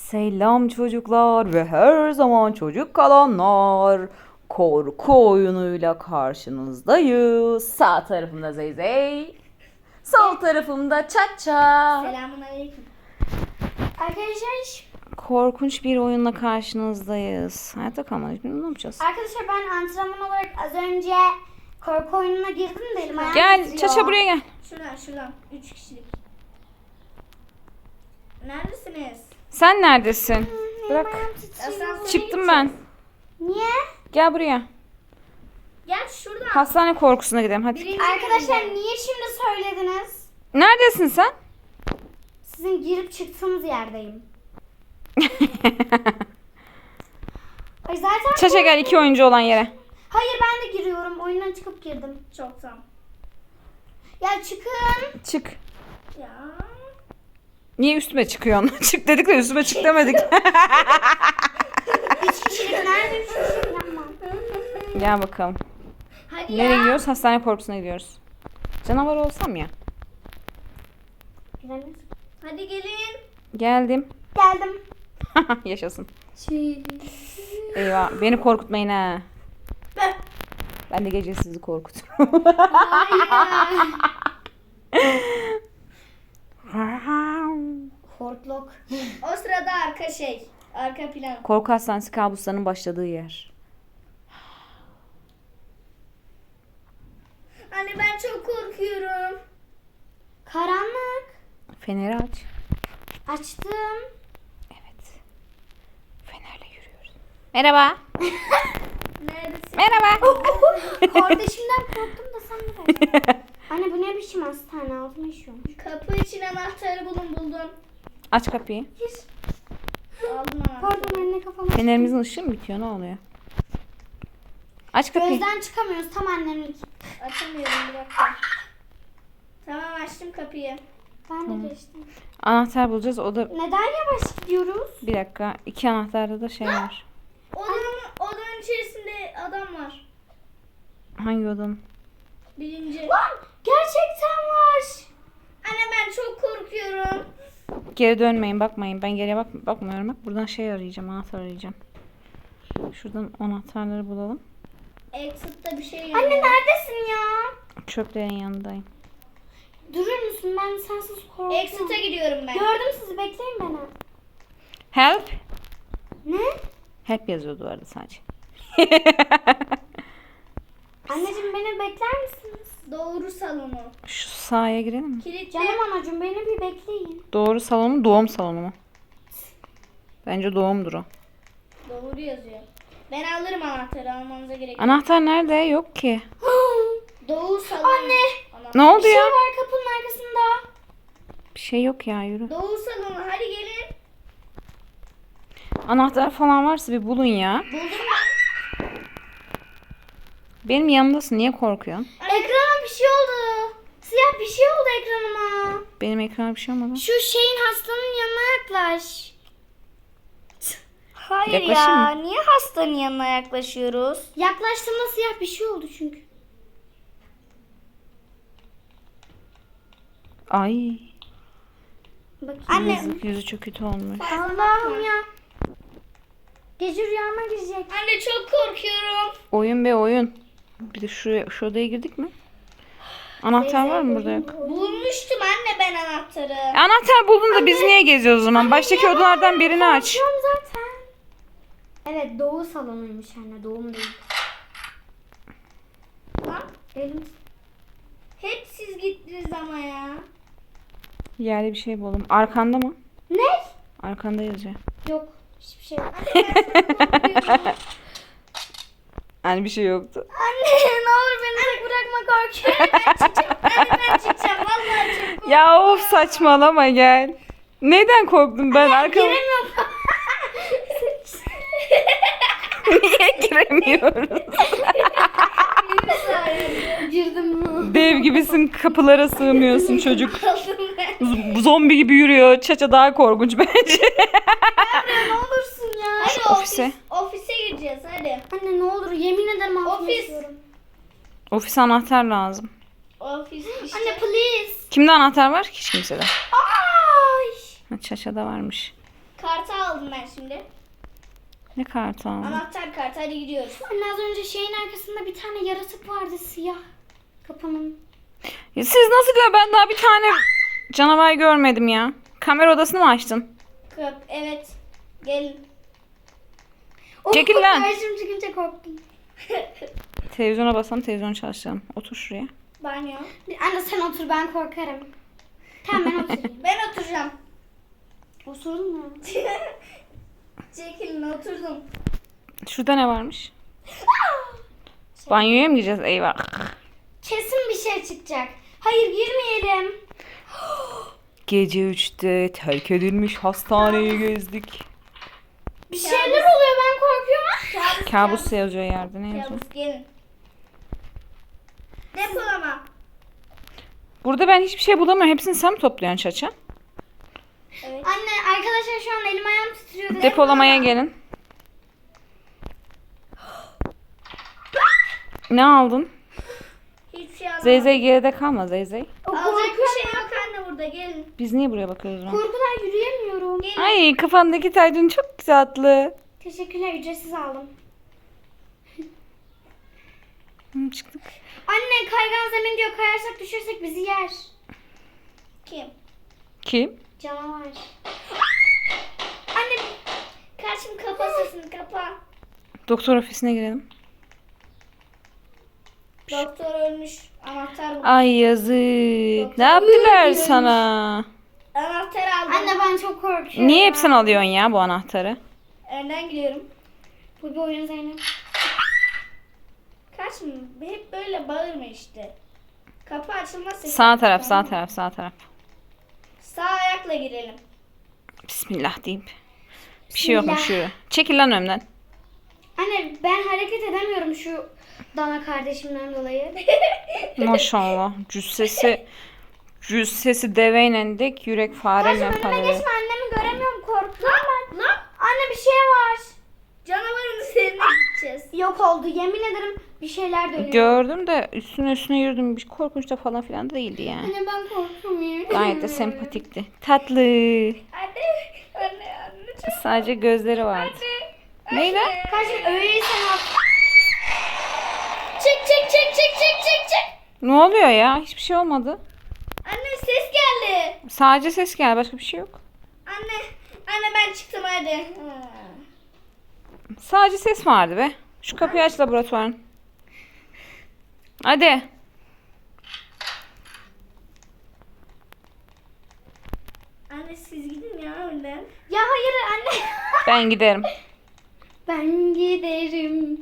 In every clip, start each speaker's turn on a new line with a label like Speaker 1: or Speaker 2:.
Speaker 1: Selam çocuklar ve her zaman çocuk kalanlar. Korku oyunuyla karşınızdayız. Sağ tarafımda Zeyzey. Sol tarafımda Çaça.
Speaker 2: Selamünaleyküm. Arkadaşlar,
Speaker 1: Korkunç bir oyunla karşınızdayız. Hayatta kalmadık. Ne yapacağız?
Speaker 2: ben antrenman olarak az önce korku oyununa girdim de elim ayağım
Speaker 1: Gel
Speaker 2: titriyor.
Speaker 1: Çaça buraya gel.
Speaker 3: Şuradan. 3 kişilik. Neredesiniz?
Speaker 1: Sen neredesin?
Speaker 2: Elim
Speaker 1: Bırak.
Speaker 2: ayağım titriyor.
Speaker 3: Asansöre
Speaker 1: Çıktım ben.
Speaker 2: Niye?
Speaker 1: Gel buraya.
Speaker 3: Gel şuradan.
Speaker 1: Hastane korkusuna gidelim hadi.
Speaker 3: Birinci
Speaker 2: Arkadaşlar
Speaker 3: bölümde.
Speaker 2: niye şimdi söylediniz?
Speaker 1: Neredesin sen?
Speaker 2: Sizin girip çıktığınız yerdeyim. Ay zaten
Speaker 1: Çaça gel 2 oyuncu olan yere.
Speaker 2: Hayır, ben de giriyorum. Oyundan çıkıp girdim.
Speaker 3: Çoktan.
Speaker 2: Ya çıkın.
Speaker 1: Çık.
Speaker 3: Ya.
Speaker 1: Niye üstüme çıkıyorsun? Çık dedik de üstüme çık demedik.
Speaker 2: 3 kişilik nerede 3 kişilik yapma.
Speaker 1: Gel bakalım.
Speaker 3: Hadi
Speaker 1: Nereye
Speaker 3: ya.
Speaker 1: gidiyoruz? Hastane korkusuna gidiyoruz. Canavar olsam ya.
Speaker 3: Hadi gelin.
Speaker 1: Geldim.
Speaker 2: Geldim.
Speaker 1: Yaşasın. Eyvah beni korkutmayın ha. Ben de gece sizi korkuturum.
Speaker 2: Hortlok.
Speaker 3: O sırada arka plan.
Speaker 1: Korku hastanesi kabuslarının başladığı yer.
Speaker 3: Anne ben çok korkuyorum.
Speaker 2: Karanlık.
Speaker 1: Feneri aç.
Speaker 2: Açtım.
Speaker 1: Evet. Fenerle yürüyoruz. Merhaba.
Speaker 3: Neredesin?
Speaker 1: Merhaba.
Speaker 2: Kardeşimden korktum da sen de. Anne bu ne biçim hastane, altıma işiyormuş.
Speaker 3: Kapı için anahtarı buldum.
Speaker 1: Aç kapıyı.
Speaker 3: Aldım anahtarı.
Speaker 2: Pardon anne, kafama.
Speaker 1: Fenerimizin ışığı mı bitiyor? Ne oluyor? Aç kapıyı.
Speaker 2: Gözden çıkamıyoruz, tam annemlik.
Speaker 3: Açamıyorum, bir dakika. Tamam, açtım kapıyı.
Speaker 2: Ben de geçtim.
Speaker 1: Anahtar bulacağız. O da
Speaker 2: Neden yavaş gidiyoruz?
Speaker 1: bir dakika. 2 anahtarda da şey var.
Speaker 3: Odanın içerisinde adam var.
Speaker 1: Hangi odanın?
Speaker 3: Birinci.
Speaker 2: Lan gerçekten var.
Speaker 3: Anne ben çok korkuyorum.
Speaker 1: Geri dönmeyin, bakmayın. Ben geriye bakmıyorum. Bak buradan şey arayacağım, anahtar arayacağım. Şuradan anahtarları bulalım.
Speaker 3: Exit'te bir şey
Speaker 2: Anne
Speaker 3: yazıyor.
Speaker 2: neredesin ya?
Speaker 1: Çöplerin yanındayım.
Speaker 2: Durur musun? Ben sensiz korktum.
Speaker 3: Exit'e gidiyorum ben.
Speaker 2: Gördüm sizi, bekleyin beni.
Speaker 1: Help.
Speaker 2: Ne?
Speaker 1: Help yazıyor duvarda sadece.
Speaker 2: Anneciğim beni bekler misiniz?
Speaker 3: Doğru salonu.
Speaker 1: Şu sahaya girelim mi?
Speaker 3: Kilitli.
Speaker 2: Canım anacığım, beni bir bekleyin.
Speaker 1: Doğru salonu mu, doğum salonu mu? Bence doğumdur o.
Speaker 3: Doğru yazıyor. Ben alırım anahtarı, almanıza gerek yok.
Speaker 1: Anahtar nerede? Yok ki.
Speaker 3: Doğu salonu.
Speaker 2: Anne.
Speaker 3: Anahtar.
Speaker 1: Ne oldu
Speaker 2: Bir şey
Speaker 1: ya?
Speaker 2: var kapının arkasında.
Speaker 1: Bir şey yok ya, yürü.
Speaker 3: Doğu salonu, hadi gelin.
Speaker 1: Anahtar falan varsa bir bulun ya.
Speaker 3: Buldum ben.
Speaker 1: Benim yanımdasın, niye korkuyorsun?
Speaker 2: Ekrana bir şey oldu. Siyah bir şey oldu ekranıma.
Speaker 1: Benim ekrana bir şey olmadı.
Speaker 2: Şu şeyin, hastanın yanına yaklaş.
Speaker 3: Hayır
Speaker 1: Yaklaşayım
Speaker 3: ya,
Speaker 1: mı?
Speaker 3: niye hastanın yanına yaklaşıyoruz?
Speaker 2: Yaklaştığımda siyah bir şey oldu çünkü.
Speaker 1: Ay.
Speaker 2: Bakayım.
Speaker 3: Anne.
Speaker 1: Yazık, yüzü çok kötü olmuş.
Speaker 2: Allah'ım ya. Gece rüyama girecek.
Speaker 3: Anne çok korkuyorum.
Speaker 1: Oyun be oyun. Bir de şu odaya girdik mi? Anahtar var mı burada? Yok.
Speaker 3: Bulmuştum anne ben anahtarı.
Speaker 1: Anahtar buldun da biz niye geziyoruz o zaman? Baştaki odalardan birini aç.
Speaker 2: Açıyorum zaten. Evet, doğu salonuymuş anne, doğum değil.
Speaker 3: Lan,
Speaker 2: Elim.
Speaker 3: hep siz gittiniz ama ya.
Speaker 1: Yerde bir şey buldum. Arkanda mı?
Speaker 2: Ne?
Speaker 1: Arkanda yazıyor.
Speaker 2: Yok. Hiçbir şey yok.
Speaker 1: Yani bir şey yoktu.
Speaker 2: Anne ne olur beni tek bırakma, korkuyorum.
Speaker 3: Ben çıkacağım vallahi çok korkuyorum.
Speaker 1: Ya of saçmalama gel. Neden korktum ben? Arkama
Speaker 2: Giremiyorum.
Speaker 1: niye giremiyoruz?
Speaker 2: Girdim.
Speaker 1: Dev gibisin, kapılara sığmıyorsun çocuk.
Speaker 3: Kaldım ben.
Speaker 1: Zombi gibi yürüyor. Çaça daha korkunç bence.
Speaker 2: Ne olursun ya.
Speaker 3: Hadi
Speaker 1: ofise.
Speaker 3: ofise gireceğiz hadi.
Speaker 2: Anne ne olur, yemin ederim altıma
Speaker 3: Ofis.
Speaker 2: işiyorum.
Speaker 1: Ofis anahtar lazım.
Speaker 3: Ofis işte.
Speaker 2: Anne please.
Speaker 1: Kimde anahtar var? Hiç kimsede.
Speaker 2: Ay.
Speaker 1: Ha, Çaça'da varmış.
Speaker 3: Kartı aldım aldım ben şimdi.
Speaker 1: Ne kartı aldın?
Speaker 3: Anahtar kartı, hadi gidiyoruz.
Speaker 2: Anne az önce şeyin arkasında bir tane yaratık vardı siyah. Kapının.
Speaker 1: Ya siz nasıl gör? Ben daha bir tane canavar görmedim ya. Kamera odasını mı açtın?
Speaker 3: Evet. Gelin.
Speaker 1: Çekil lan.
Speaker 2: Karşım çıkınca korktum.
Speaker 1: Televizyona basalım, televizyon çalıştıralım. Otur şuraya.
Speaker 3: Banyo.
Speaker 2: Anne sen otur ben korkarım. Tamam ben oturayım.
Speaker 3: Ben oturacağım.
Speaker 2: Osurdun mu?
Speaker 3: Çekilin, oturdum.
Speaker 1: Şurada ne varmış? Banyoya mı gireceğiz? Eyvah.
Speaker 2: Kesin bir şey çıkacak. Hayır girmeyelim.
Speaker 1: Gece 3'te terk edilmiş hastaneyi gezdik.
Speaker 2: Bir şeyler oluyor ben korkuyorum.
Speaker 1: Kabus yazıyor yerde. Ne yazıyor?
Speaker 3: Kabus, gelin. Depolama.
Speaker 1: Burada ben hiçbir şey bulamıyorum. Hepsini sen mi topluyorsun Çaça?
Speaker 3: Evet.
Speaker 2: Anne arkadaşlar şu an elim ayağım titriyor.
Speaker 1: Depolamaya gelin. Ne aldın?
Speaker 3: Hiçbir şey alamadım.
Speaker 1: Zeyzey geride kalma Zeyzey.
Speaker 3: Alacak bir şey yok anne, burada gelin.
Speaker 1: Biz niye buraya bakıyoruz lan?
Speaker 2: Korkudan yürüyemiyorum.
Speaker 1: Ay kafandaki tacın çok tatlı.
Speaker 2: Teşekkürler ücretsiz aldım.
Speaker 1: Çıktık.
Speaker 2: Anne kaygan zemin diyor kayarsak düşürsek bizi yer.
Speaker 3: Kim?
Speaker 1: Kim?
Speaker 2: Canavar.
Speaker 3: Anne, karşım, kapa sesini, kapa.
Speaker 1: Doktor ofisine girelim.
Speaker 3: Doktor ölmüş. Anahtar bu.
Speaker 1: Ay yazık. Ne yaptılar sana?
Speaker 3: Anahtar aldım.
Speaker 2: Anne ben çok korkuyorum.
Speaker 1: Niye hep sen alıyorsun ya bu anahtarı?
Speaker 3: Önden gidiyorum.
Speaker 2: Bu bir oyun Zeynep.
Speaker 3: Karşım, hep böyle bağırma işte. Kapı açılmaz sesi.
Speaker 1: Sağ taraf, sağ taraf, sağ taraf.
Speaker 3: Sağ ayakla girelim.
Speaker 1: Bismillah deyip. Bir şey yokmuş
Speaker 2: Bismillah.
Speaker 1: yürü. Çekil lan önümden.
Speaker 2: Anne ben hareket edemiyorum şu dana kardeşimden dolayı.
Speaker 1: Maşallah. Cüssesi deveyle dek yürek
Speaker 2: Karşım
Speaker 1: fareyle
Speaker 2: önüme
Speaker 1: paralel.
Speaker 2: geçme annemi göremiyorum korktum ben.
Speaker 3: Lan,
Speaker 2: Anne bir şey var.
Speaker 3: canavarın üzerine gideceğiz.
Speaker 2: Yok oldu yemin ederim bir şeyler dönüyor.
Speaker 1: Gördüm de üstüne yürüdüm. Bir korkunç da falan filan değildi yani.
Speaker 2: Anne ben korktum ya.
Speaker 1: Gayet de sempatikti. Tatlı.
Speaker 3: Anne, çok
Speaker 1: Sadece gözleri vardı. Neyle?
Speaker 2: Karşım öyleyse ne yap? Çık.
Speaker 1: Ne oluyor ya? Hiçbir şey olmadı.
Speaker 3: Anne, ses geldi.
Speaker 1: Sadece ses geldi. Başka bir şey yok.
Speaker 3: Anne ben çıktım hadi.
Speaker 1: Sadece ses vardı be. Şu kapıyı aç laboratuvarın. Hadi.
Speaker 3: Anne siz gidin ya önden.
Speaker 2: Ya hayır anne.
Speaker 1: Ben giderim.
Speaker 2: Ben giderim.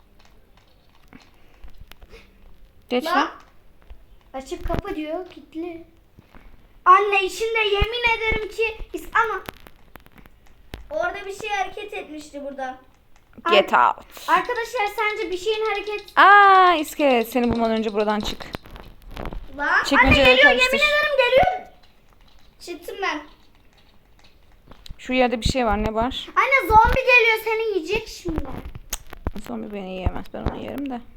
Speaker 1: Geç
Speaker 3: Lan.
Speaker 1: lan.
Speaker 2: Açık kapı diyor kilitli. Anne içinde yemin ederim ki ama
Speaker 3: Orada bir şey hareket etmişti burada.
Speaker 1: Get out.
Speaker 2: arkadaşlar sence bir şeyin hareket...
Speaker 1: Aa iskelet. Seni bulmadan önce buradan çık.
Speaker 3: Lan.
Speaker 2: Anne
Speaker 1: Çekmeceleri
Speaker 2: geliyor yemin
Speaker 1: karıştır.
Speaker 2: ederim geliyor.
Speaker 3: Çıktım ben.
Speaker 1: Şu yerde bir şey var. Ne var?
Speaker 2: Anne zombi geliyor seni yiyecek şimdi.
Speaker 1: Zombi beni yiyemez. Ben onu yerim de.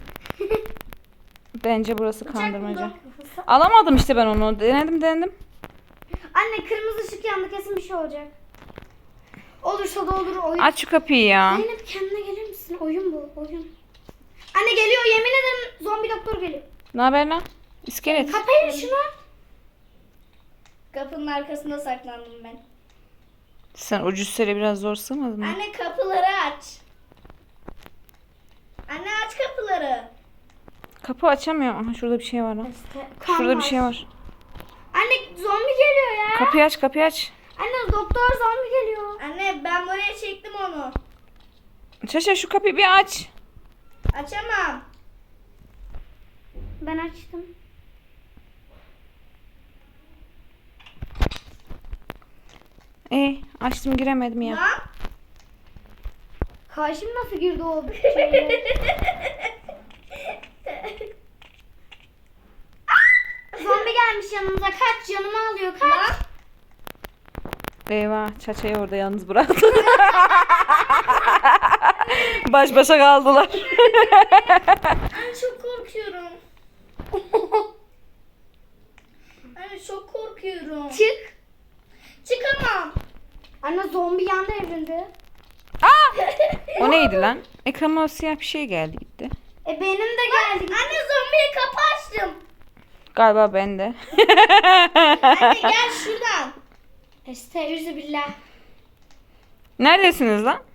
Speaker 1: Bence burası kandırmaca. Alamadım işte ben onu. Denedim.
Speaker 2: Anne kırmızı ışık yandı kesin bir şey olacak. Olursa da olur oyun.
Speaker 1: Aç şu kapıyı ya.
Speaker 2: Zeynep kendine gelir misin? Oyun bu oyun. Anne geliyor yemin ederim zombi doktor geliyor.
Speaker 1: Ne haber lan? İskelet.
Speaker 2: Kapayın şunu.
Speaker 3: Kapının arkasında saklandım ben.
Speaker 1: Sen o cüssele biraz zor sığmadın mı?
Speaker 3: Anne kapıları aç. Anne aç kapıları.
Speaker 1: Kapı açamıyorum. Aha şurada bir şey var lan.
Speaker 2: Kan
Speaker 1: Şurada bir şey var.
Speaker 2: Anne zombi geliyor ya.
Speaker 1: Kapıyı aç.
Speaker 2: Anne doktor zombi geliyor.
Speaker 3: Anne ben buraya çektim onu.
Speaker 1: Şaşa şu kapıyı bir aç.
Speaker 3: Açamam.
Speaker 2: Ben açtım.
Speaker 1: Açtım giremedim ya.
Speaker 3: Lan.
Speaker 2: Karşım nasıl girdi o şeye? Zombi gelmiş yanımıza. Kaç canımı alıyor kaç.
Speaker 3: Lan.
Speaker 1: Eyvah Çaça'yı orada yalnız bıraktı. Baş başa kaldılar.
Speaker 3: Anne çok korkuyorum. Anne çok korkuyorum.
Speaker 2: Çık.
Speaker 3: Çıkamam.
Speaker 2: Anne zombi yanda evrildi.
Speaker 1: O neydi lan? Ekrana siyah bir şey geldi gitti.
Speaker 2: Benim de geldi.
Speaker 3: Anne zombiye kapı açtım.
Speaker 1: Galiba bende.
Speaker 3: Anne gel şuradan.
Speaker 2: Estağfirullah.
Speaker 1: Neredesiniz lan?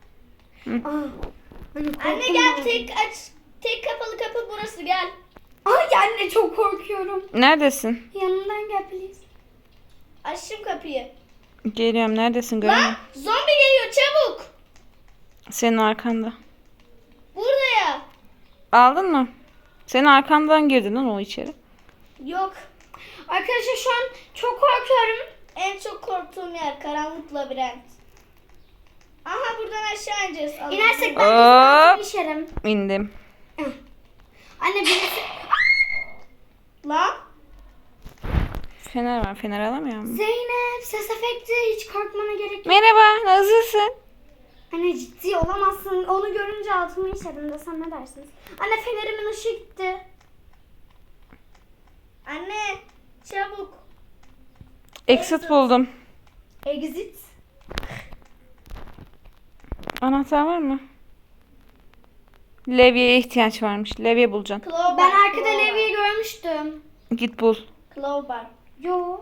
Speaker 3: Anne gel tek kapalı kapı burası gel.
Speaker 2: Ay anne çok korkuyorum.
Speaker 1: Neredesin?
Speaker 2: Yanımdan gel please.
Speaker 3: Açtım kapıyı.
Speaker 1: Geliyorum. Neredesin?
Speaker 3: Lan
Speaker 1: Görmüyorum.
Speaker 3: zombi geliyor çabuk.
Speaker 1: Senin arkanda.
Speaker 3: Burada ya.
Speaker 1: Aldın mı? Senin arkandan girdi lan o içeri.
Speaker 3: Yok.
Speaker 2: Arkadaşlar şu an çok korkuyorum.
Speaker 3: En çok korktuğum yer karanlık labirent. Aha buradan aşağı ineceğiz. Allah'ım.
Speaker 2: İnersek ben
Speaker 1: Hop.
Speaker 2: de işerim.
Speaker 1: İndim.
Speaker 2: Anne birisi...
Speaker 3: Lan.
Speaker 1: Fener var. Fener alamıyor mu?
Speaker 2: Zeynep ses efekti hiç korkmana gerek yok.
Speaker 1: Merhaba. Nasılsın?
Speaker 2: Anne ciddi olamazsın. Onu görünce altımı işedim desem ne dersiniz? Anne fenerimin ışığı gitti.
Speaker 3: Anne çabuk.
Speaker 1: Exit buldum.
Speaker 2: Exit.
Speaker 1: Anahtar var mı? Levye'ye ihtiyaç varmış. Levye bulacaksın.
Speaker 3: Crowbar.
Speaker 2: Ben arkada
Speaker 3: crowbar.
Speaker 2: levyeyi görmüştüm.
Speaker 1: Git bul.
Speaker 3: Crowbar.
Speaker 2: Yo.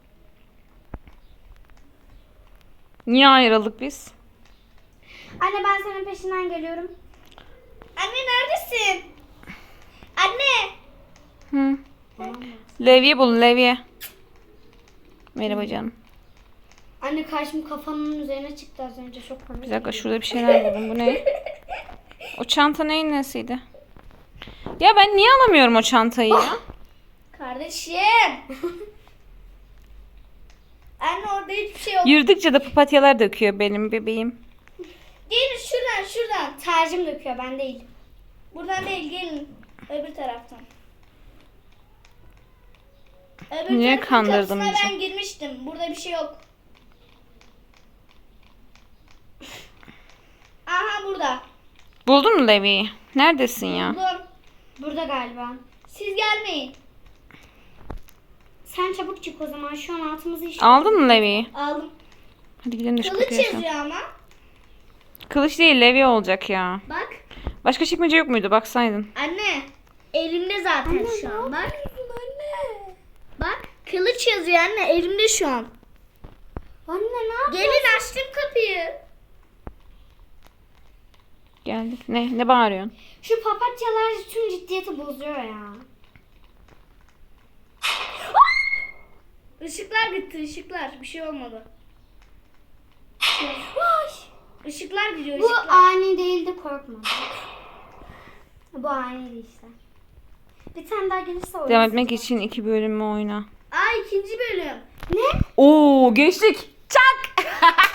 Speaker 1: Niye ayrıldık biz?
Speaker 2: Anne ben senin peşinden geliyorum.
Speaker 3: Anne neredesin? Anne.
Speaker 1: Hı. Levye bul. Levye. Merhaba canım.
Speaker 2: Anne karşım kafanın üzerine çıktı az önce çok komik.
Speaker 1: Bir dakika şurada bir şeyler buldum. Bu ne? O çanta neyin nesiydi? Ya ben niye alamıyorum o çantayı ya?
Speaker 3: Kardeşim. Anne orada hiçbir şey yok.
Speaker 1: Yürüdükçe de papatyalar döküyor benim bebeğim.
Speaker 3: Gelin şuradan.
Speaker 2: Tercim döküyor ben değil.
Speaker 3: Buradan değil gelin. Öbür taraftan. Öbür
Speaker 1: Niye
Speaker 3: tarafın
Speaker 1: kandırdın
Speaker 3: kapısına
Speaker 1: bizi?
Speaker 3: ben girmiştim. Burada bir şey yok. Aha burada.
Speaker 1: Buldun mu Levye'yi? Neredesin ya?
Speaker 3: Buldum.
Speaker 2: Burada galiba.
Speaker 3: Siz gelmeyin.
Speaker 2: Sen çabuk çık o zaman şu an altımızı işe.
Speaker 1: Aldın mı Levye'yi?
Speaker 3: Aldım.
Speaker 1: Hadi gidelim de şu
Speaker 3: Kılıç
Speaker 1: kapıyı açalım.
Speaker 3: yazıyor ama.
Speaker 1: Kılıç değil Levye olacak ya.
Speaker 3: Bak.
Speaker 1: Başka çekmece yok muydu? Baksaydın.
Speaker 3: Anne. Elimde zaten
Speaker 2: Anne,
Speaker 3: şu
Speaker 2: ne
Speaker 3: an. Bak.
Speaker 2: Anne.
Speaker 3: Bak. Kılıç yazıyor anne. Elimde şu an.
Speaker 2: Anne ne yapıyorsun?
Speaker 3: Gelin açtım kapıyı.
Speaker 1: Geldik. Ne bağırıyorsun?
Speaker 2: Şu papatyalar tüm ciddiyeti bozuyor ya.
Speaker 3: Işıklar gitti ışıklar. Bir şey olmadı. Işıklar gidiyor
Speaker 2: Bu
Speaker 3: ışıklar.
Speaker 2: ani değildi korkma. Bu aniydi işte. Bir tane daha gelirse oynasın.
Speaker 1: Devam etmek için 2 bölümü oyna.
Speaker 3: Aa ikinci bölüm.
Speaker 2: Ne?
Speaker 1: Oo geçtik. Çak.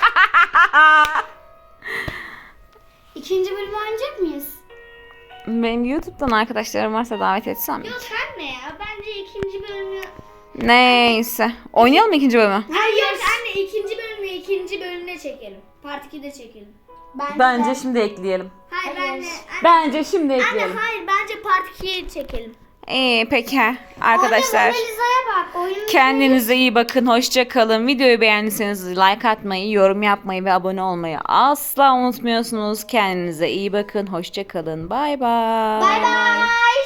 Speaker 2: İkinci bölümü oynayacak mıyız?
Speaker 1: Benim YouTube'dan arkadaşlarım varsa davet etsem mi?
Speaker 3: Yok anne ya. Bence ikinci bölümü...
Speaker 1: Neyse. Oynayalım mı ikinci bölümü?
Speaker 3: Hayır yok anne ikinci bölümüne çekelim. Part 2'de çekelim.
Speaker 2: Bence de.
Speaker 1: şimdi ekleyelim.
Speaker 3: Hayır
Speaker 2: Hayır.
Speaker 3: anne.
Speaker 1: Bence şimdi
Speaker 3: Anne hayır bence Part 2'ye çekelim.
Speaker 1: İyi peki arkadaşlar.
Speaker 2: Orada Mona Lisa'ya bak. Oyunun
Speaker 1: Kendinize iyi bakın. Hoşça kalın. Videoyu beğendiyseniz like atmayı, yorum yapmayı ve abone olmayı asla unutmuyorsunuz. Kendinize iyi bakın. Hoşça kalın. Bay bay.
Speaker 2: Bye bye.